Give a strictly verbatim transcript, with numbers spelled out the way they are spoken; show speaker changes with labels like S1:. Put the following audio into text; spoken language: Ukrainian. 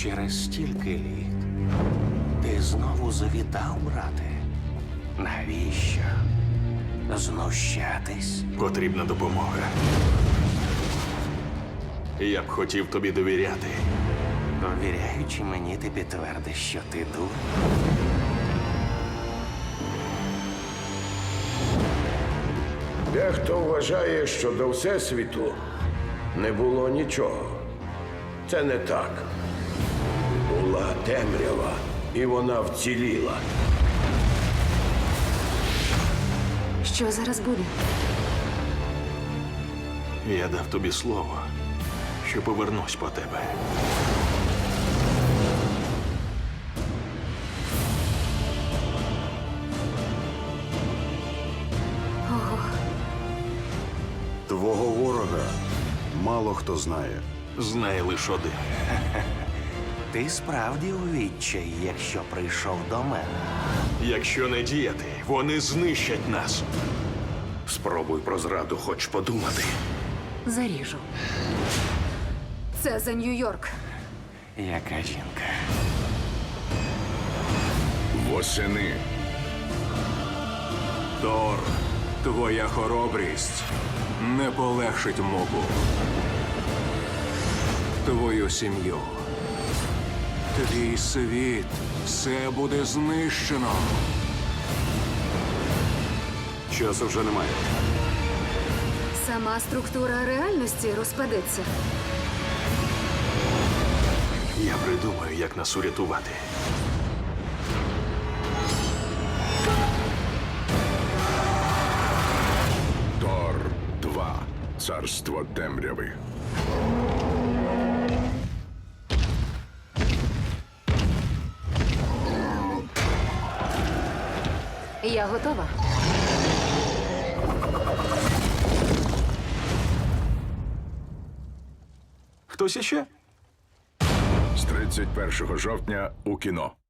S1: Через стільки літ ти знову завітав, брате. Навіщо? Знущатись?
S2: Потрібна допомога. Я б хотів тобі довіряти.
S1: Довіряючи мені, ти підтвердиш, що ти дур.
S3: Дехто вважає, що до Всесвіту не було нічого. Це не так. Була темрява, і вона вціліла.
S4: Що зараз буде?
S2: Я дав тобі слово, що повернусь по тебе.
S5: Твого ворога мало хто знає.
S2: Знає лише один.
S1: Ти справді у відчаї, якщо прийшов до мене.
S2: Якщо не діяти, вони знищать нас.
S3: Спробуй про зраду хоч подумати.
S4: Заріжу. Це за Нью-Йорк.
S1: Яка жінка?
S6: Восени. Тор, твоя хоробрість не полегшить мобу. Твою сім'ю. Твій світ. Все буде знищено.
S5: Часу вже немає.
S4: Сама структура реальності розпадеться.
S2: Я придумаю, як нас урятувати.
S6: Тор два. Царство темряви.
S4: Я готова.
S2: Хтось іще?
S6: З тридцять першого жовтня у кіно.